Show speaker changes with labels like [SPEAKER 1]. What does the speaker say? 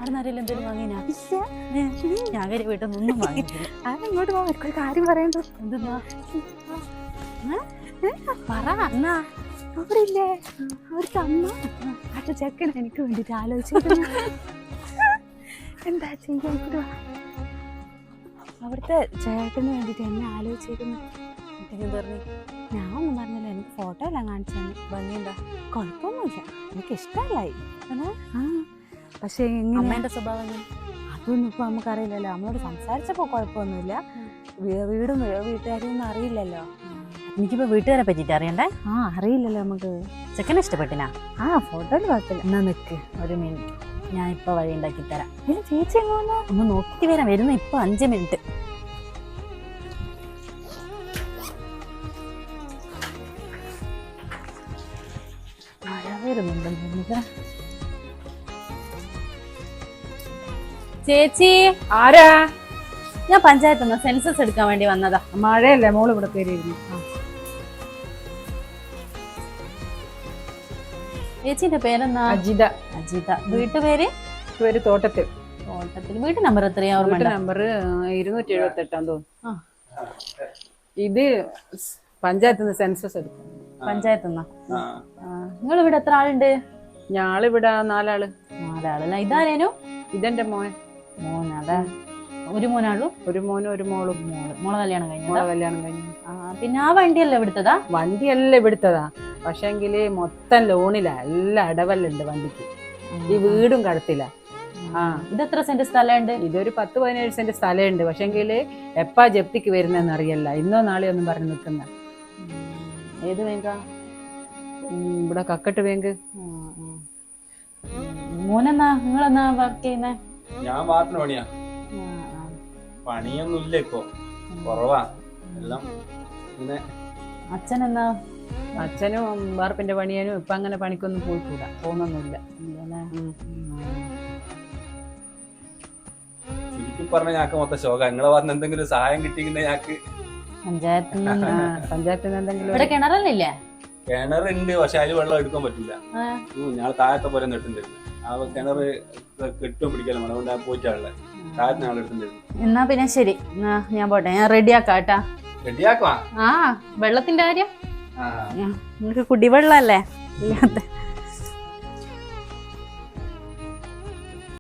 [SPEAKER 1] ആടുന്നാരെല്ലാം എന്തെങ്കിലും വാങ്ങിനാ? ഞാൻ കരി വീട്ടിൽ നിന്നൊന്നും വാങ്ങിയിട്ടില്ല.
[SPEAKER 2] ഇങ്ങോട്ട് പോകാൻ ഒരു കാര്യം പറയണ്ടോ?
[SPEAKER 1] എന്തെന്നാ പറ എന്നാ?
[SPEAKER 2] അവിടെ ഇല്ലേ അവിടുത്തെ അമ്മ അടുത്ത ചെക്കൻ എനിക്ക് വേണ്ടിട്ട് ആലോചിച്ചിരുന്നു. എന്താ ചെയ്യാൻ? അവിടുത്തെ ചേട്ടന് വേണ്ടിട്ട് എന്നെ ആലോചിച്ചിരുന്നു.
[SPEAKER 1] പറഞ്ഞു
[SPEAKER 2] ഞാൻ ഒന്നും പറഞ്ഞില്ല, എനിക്ക് ഫോട്ടോ എല്ലാം കാണിച്ചു തന്നെ.
[SPEAKER 1] ഭംഗിയുണ്ടാ?
[SPEAKER 2] കുഴപ്പമൊന്നുമില്ല, എനിക്ക് ഇഷ്ടമല്ലായി. പക്ഷേ
[SPEAKER 1] അമ്മേന്റെ സ്വഭാവം
[SPEAKER 2] അതൊന്നും ഇപ്പൊ നമുക്കറിയില്ലല്ലോ. നമ്മളോട് സംസാരിച്ചപ്പോ കുഴപ്പമൊന്നുമില്ല. വീടും വീട്ടുകാരെയൊന്നും അറിയില്ലല്ലോ.
[SPEAKER 1] എനിക്കിപ്പോ വീട്ടുകാരെ പറ്റിട്ട് അറിയണ്ടേ?
[SPEAKER 2] അറിയില്ലല്ലോ നമുക്ക്.
[SPEAKER 1] ചെക്കനെ ഇഷ്ടപ്പെട്ടിനാ?
[SPEAKER 2] ഫോട്ടോയിൽ കുഴപ്പമില്ല.
[SPEAKER 1] എന്നാ നിക്ക് ഒരു മിനിറ്റ്, ഞാൻ ഇപ്പൊ വഴി ഉണ്ടാക്കി തരാം.
[SPEAKER 2] ചേച്ചി എങ്ങോന്നാ?
[SPEAKER 1] ഒന്ന് നോക്കിട്ട് വരാം. വരുന്ന ഇപ്പൊ 5 മിനിറ്റ്. മഴ വരുന്നുണ്ടെന്ന്. ചേച്ചി
[SPEAKER 2] ആരാ?
[SPEAKER 1] ഞാൻ പഞ്ചായത്ത് നിന്ന് സെൻസസ് എടുക്കാൻ വേണ്ടി വന്നതാ.
[SPEAKER 2] മഴയല്ലേ, മോള് ഇവിടെ കയറിയിരുന്നു.
[SPEAKER 1] ചേച്ചിന്റെ പേരെന്നാ?
[SPEAKER 2] അജിത.
[SPEAKER 1] അജിത. വീട്ടുപേര്?
[SPEAKER 2] തോട്ടത്തിൽ.
[SPEAKER 1] തോട്ടത്തിൽ. വീട്ടു നമ്പർ എത്രയാ?
[SPEAKER 2] നമ്പർ 278 തോന്നുന്നു. ഇത് പഞ്ചായത്ത് നിന്ന് സെൻസസ് എടുക്കും.
[SPEAKER 1] പഞ്ചായത്ത് നിന്നാ? നിങ്ങൾ ഇവിടെ എത്ര ആളുണ്ട്?
[SPEAKER 2] ഞാളിവിടെ 4 ആള്.
[SPEAKER 1] 4 ആളല്ല. ഇതാരേനു?
[SPEAKER 2] ഇതെന്റെ മോൻ.
[SPEAKER 1] മോനാ? ഒരു മോനാളൂ?
[SPEAKER 2] ഒരു മോനും ഒരു മോളും.
[SPEAKER 1] മോളെ കല്യാണം കഴിഞ്ഞു?
[SPEAKER 2] കല്യാണം കഴിഞ്ഞു.
[SPEAKER 1] പിന്നെ ആ വണ്ടിയല്ലേ ഇവിടുത്തതാ?
[SPEAKER 2] വണ്ടിയല്ല ഇവിടുത്തതാ, പക്ഷെങ്കില് മൊത്തം ലോണിലാ. എല്ലാ അടവല്ലുണ്ട് വണ്ടിക്ക്. ഈ വീടും കടത്തില്ല.
[SPEAKER 1] ഇതെത്ര സെന്റ് സ്ഥലമുണ്ട്?
[SPEAKER 2] ഇതൊരു 10-17 സെന്റ് സ്ഥലമുണ്ട്. പക്ഷെങ്കില് എപ്പാ ജപ്തിക്ക് വരുന്നതെന്ന് അറിയല്ല. ഇന്നോ നാളെയോ ഒന്നും പറഞ്ഞു നിൽക്കുന്ന.
[SPEAKER 1] ഏത് ബാങ്കാ?
[SPEAKER 2] ഇവിടെ കക്കട്ട് ബാങ്ക്.
[SPEAKER 1] മോനെന്നാ നിങ്ങളെന്നാ വർക്ക് ചെയ്യുന്നേ?
[SPEAKER 3] ഞാൻ വാർപ്പിന് പണിയാ. പണിയൊന്നും ഇല്ല ഇപ്പൊ, കുറവാ എല്ലാം. പിന്നെ
[SPEAKER 1] അച്ഛനെന്നാ?
[SPEAKER 2] അച്ഛനും വാർപ്പിന്റെ പണിയാനും ഇപ്പൊ അങ്ങനെ പണിക്കൊന്നും പോയിക്കൂടാ, പോകുന്നൊന്നുമില്ല.
[SPEAKER 3] ശരിക്കും പറഞ്ഞ ഞങ്ങൾക്ക് മൊത്തം ശോകം. നിങ്ങളെ പറഞ്ഞ എന്തെങ്കിലും സഹായം കിട്ടിയെങ്കിൽ ഞങ്ങൾക്ക്
[SPEAKER 1] പഞ്ചായത്തിൽ
[SPEAKER 2] പഞ്ചായത്തിൽ എന്തെങ്കിലും.
[SPEAKER 1] ഇവിടെ കിണറല്ലേ?
[SPEAKER 3] കിണറുണ്ട്, പക്ഷെ അതിൽ വെള്ളം എടുക്കാൻ പറ്റില്ല. ഞാൻ താഴത്തെ പോലെ നെട്ടുണ്ടായിരുന്നു. ആ കിണർ കെട്ടും പിടിക്കാനും അതുകൊണ്ട് ഞാൻ പോയിട്ടാണല്ലേ താഴത്തെ ആൾ എടുത്തിട്ടുണ്ടായിരുന്നു.
[SPEAKER 1] എന്നാ പിന്നെ ശരി, ഞാൻ പോട്ടെ. ഞാൻ റെഡിയാക്കാട്ടാ.
[SPEAKER 3] റെഡിയാക്കുവാ?
[SPEAKER 1] വെള്ളത്തിന്റെ കാര്യം നിങ്ങൾക്ക് കുടിവെള്ളല്ലേ ഇല്ലാത്ത?